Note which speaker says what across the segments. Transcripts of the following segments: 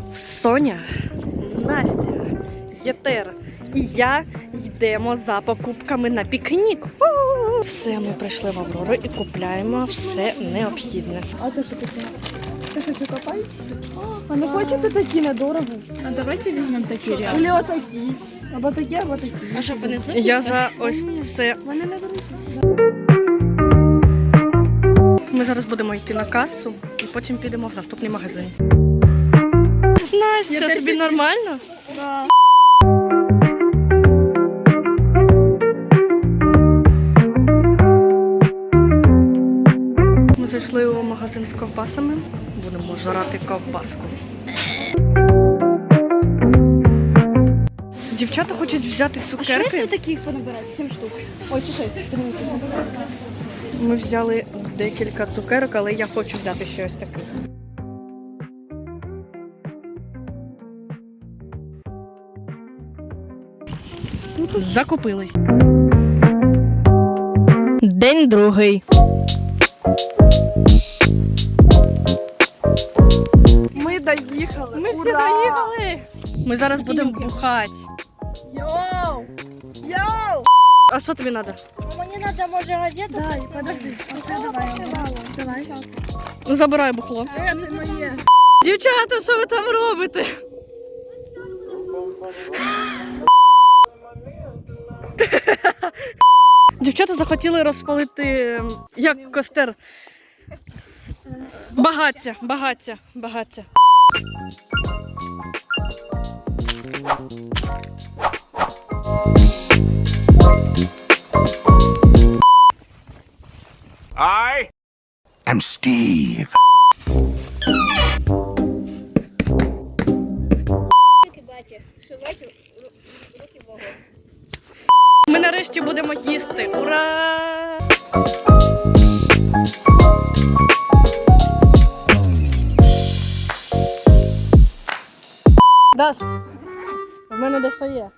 Speaker 1: Соня, Настя, Єтер і я йдемо за покупками на пікнік. Все, ми прийшли в Аврору і купляємо все необхідне.
Speaker 2: А ти що таке? Ти що копаєш? А не хочете такі недорого? А давайте візьмемо такі ряд. Или отакі. Або такі, або такі.
Speaker 3: А що, понесли?
Speaker 1: Я за ось це.
Speaker 2: Вони не беруть.
Speaker 1: Ми зараз будемо йти на касу і потім підемо в наступний магазин. Настя, тобі нормально?
Speaker 2: Да.
Speaker 1: Ми зайшли у магазин з ковбасами. Будемо жарати ковбаску. Дівчата хочуть взяти
Speaker 3: А що
Speaker 1: цукерки.
Speaker 3: якщо таких понабирати? 7 штук. Ой, чи 6.
Speaker 1: Ми взяли декілька цукерок, але я хочу взяти ще ось таких. Закупились. День другий.
Speaker 2: Ми доїхали.
Speaker 1: Ми всі доїхали. Ми зараз будемо бухати.
Speaker 2: Йоу! Йоу!
Speaker 1: А що тобі треба?
Speaker 3: Мені треба, може, газету?
Speaker 2: Дай, подожди. Давай.
Speaker 1: Ну забирай бухло.
Speaker 2: Це моє.
Speaker 1: Дівчата, що ви там робите? Дівчата захотіли розпалити, як костер. Багаття.
Speaker 4: I am Steve.
Speaker 1: Ми нарешті будемо їсти. Ура! Даш, в мене достає.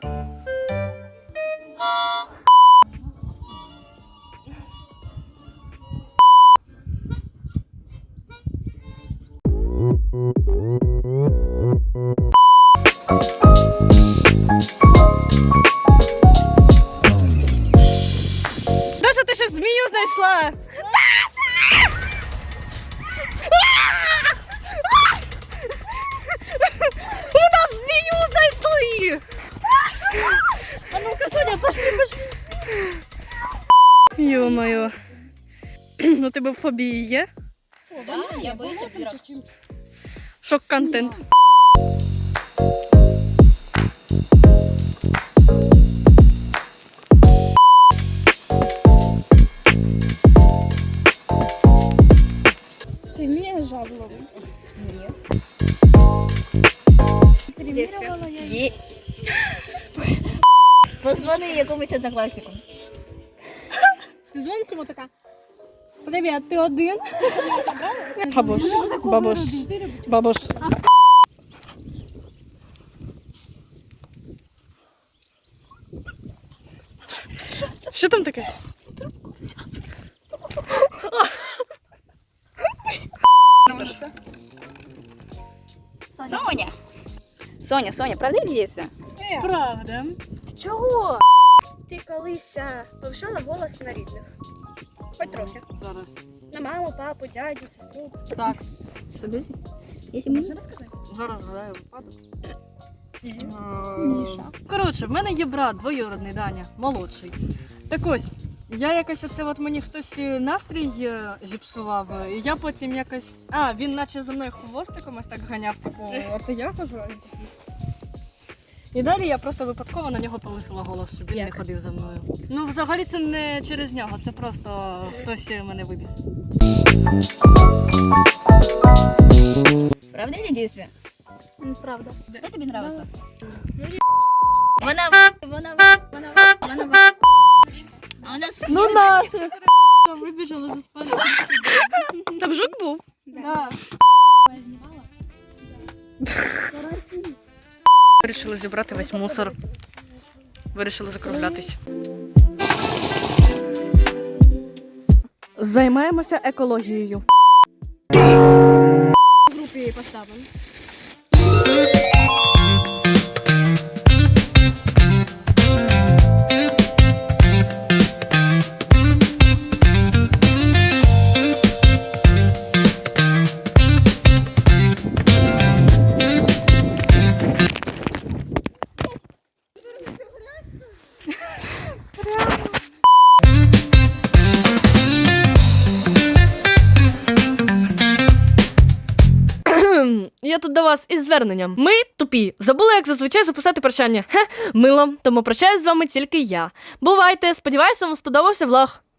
Speaker 1: Даша, ти ще змію знайшла? Даша! У нас змію знайшли!
Speaker 3: А ну-ка, Соня, пошли.
Speaker 1: Ё-моё. Ну тебе в фобії є?
Speaker 3: Да, я боюсь опірок.
Speaker 1: Шок-контент.
Speaker 3: Ти вмієш жабу ловити? Ні. Перевірювала я її. Позвони якомусь однокласнику.
Speaker 2: Ти дзвониш йому така? Привіт, ти один?
Speaker 1: Бабуш. Що там таке?
Speaker 3: Соня, правда или дійсно?
Speaker 1: Правда.
Speaker 2: Чого? Ти колись повишала голос на рідних? Хоч трохи.
Speaker 1: Зараз.
Speaker 2: На маму, папу, дядю, сестру.
Speaker 1: Так,
Speaker 3: Если мы...
Speaker 1: зараз згадаю випадок. Коротше, в мене є брат, двоюродний Даня, молодший. Так ось, я якось оце от мені хтось настрій зіпсував, і я потім якось... А, він наче за мною хвостиком ось так ганяв, типу, оце я кажу. І далі я просто випадково на нього повисила голос, щоб він не ходив за мною. Ну, взагалі це не через нього, це просто хтось мене вибіс.
Speaker 3: Правда или действие?
Speaker 2: Правда.
Speaker 3: Что тебе нравится? А у нас...
Speaker 2: Ну нафиг.
Speaker 1: Вибіжала за спальню. Там жук був?
Speaker 2: Да.
Speaker 1: Вирішили зібрати весь мусор. Вирішили закруглятись. Займаємося екологією.
Speaker 2: В групі поставимо.
Speaker 1: Я тут до вас із зверненням. Ми тупі. Забули, як зазвичай записати прощання. Мило. Тому прощаюсь з вами тільки я. Бувайте. Сподіваюся, вам сподобався влог.